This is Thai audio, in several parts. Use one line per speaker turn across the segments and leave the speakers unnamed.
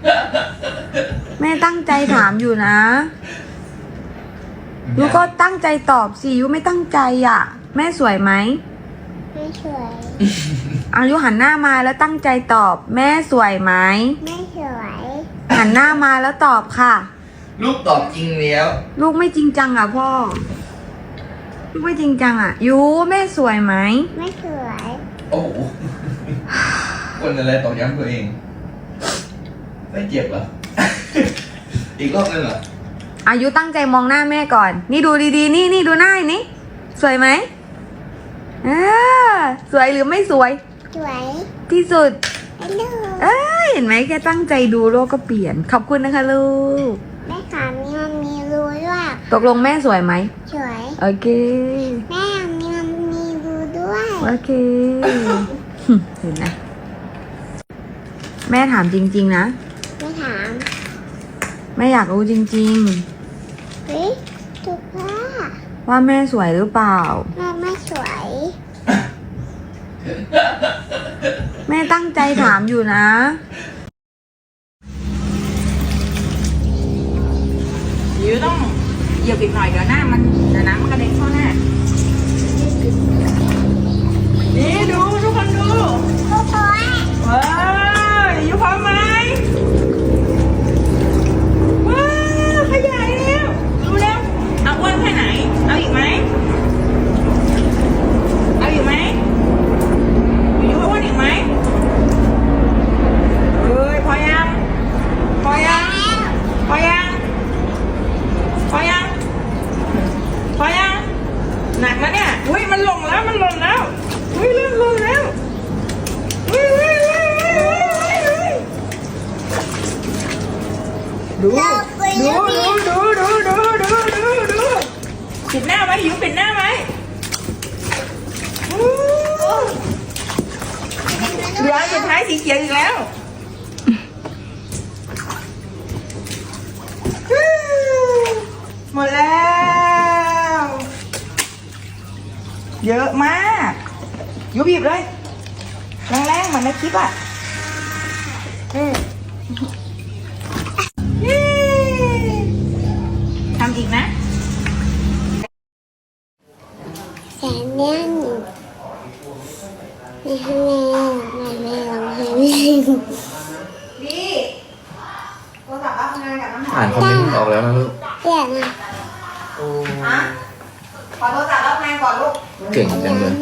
แม่ตั้งใจถามอยู่นะยูก็ตั้งใจตอบสิยูไม่ตั้งใจอ่ะแม่สวยไหม
ไม่สวย
อายุหันหน้ามาแล้วตั้งใจตอบแม่สวยไหม
ไม่สวย
หันหน้ามาแล้วตอบค่ะ
ลูกตอบจริงแล้ว
ลูกไม่จริงจังอ่ะพ่อลูกไม่จริงจังอ่ะยูแม่สวยไหม
ไม่สวย
โอ้โหคนอะไรตอกย้ำตัวเองไม่เจ็บเหรอ อีกรอบนึงเหรอ
อายุตั้งใจมองหน้าแม่ก่อนนี่ดูดีๆนี่ดูหน้านี่สวยไหมสวยหรือไม่สวย
สวย
ที่สุด
เ
ห็นไหมแค่ตั้งใจดูโลกก็เปลี่ยนขอบคุณนะคะลูก
แม่ขามีรูด้วย
ตกลงแม่สวยไหม
สวย
โอเค
แม่มีรูด้วย
โอเค เห็นไหมแม่ถามจริงๆนะ
ไม่ถาม
แม่อยากรู้จริง
เฮ้ยถูก
ว่าแม่สวยหรือเปล่า
แม่ไม่สวย
แม่ตั้งใจถามอยู่นะยูต้องเหยียบอีกหน่อยเดี๋ยวน้ำมันกระเด็นเข้าหน้านี่ดูทุกคนดู
ทุกคน
ว้าวยูพร้อมไหมว้าวขยายแล้วดูแล้วเอาอ้วนแค่ไหนเอาอีกไหมเอาอีกไหมยูอ้วนอีกไหมเอ้ยพอยังพอยังพอยังพอยังพอยังหนักแล้วเนี่ยอุ้ยมันหล่นแล้วอุ้ยเริ่มหล่นแล้วดูปิดหน้าไว้อยู่ปิดหน้าไว้เหลือสุดท้ายสีเขียวอีกแล้วหมดแล้วเยอะมากยูบีบเลยแรงๆเหมือนในคลิปอ่ะทำอีกนะ
แสนเนี่ยไม่ให้แม่ร้องเพลง
ดีโทรศัพท์รับงานกับน้ำหอม
อ่านคอมเมนต์ออกแล้วนะลูก
เดี๋ยวนะ
ขอโทรศัพท์รับงานก่อนลูก
เก่งจังเลย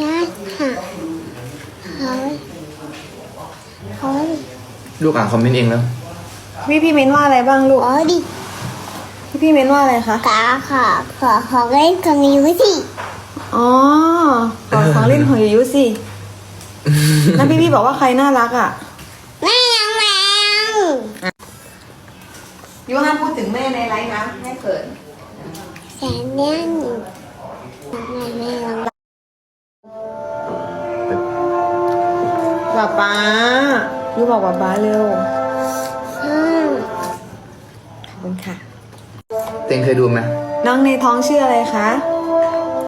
ลูกอ่านคอมเมนต์เองแล้ว
พี่เม้นว่าอะไรบ้างลูก
อ๋อดิ
พี่เม้นว่าอะไรคะ
ขอเล่นกับมิวสิ
อ๋อของเล่นของยูสินั่นพี่บอกว่าใครน่ารักอ่ะ
แม่ยังแมว
ยูห้ามพูดถึงแม่ในไลฟ์นะแม่เขิน
แสนเนี่ยแม่ร้อง
ป๊ายูบอกป๊าเร็วขอบคุณค่ะ
เต็งเคยดูไหม
น้องในท้องชื่ออะไรคะ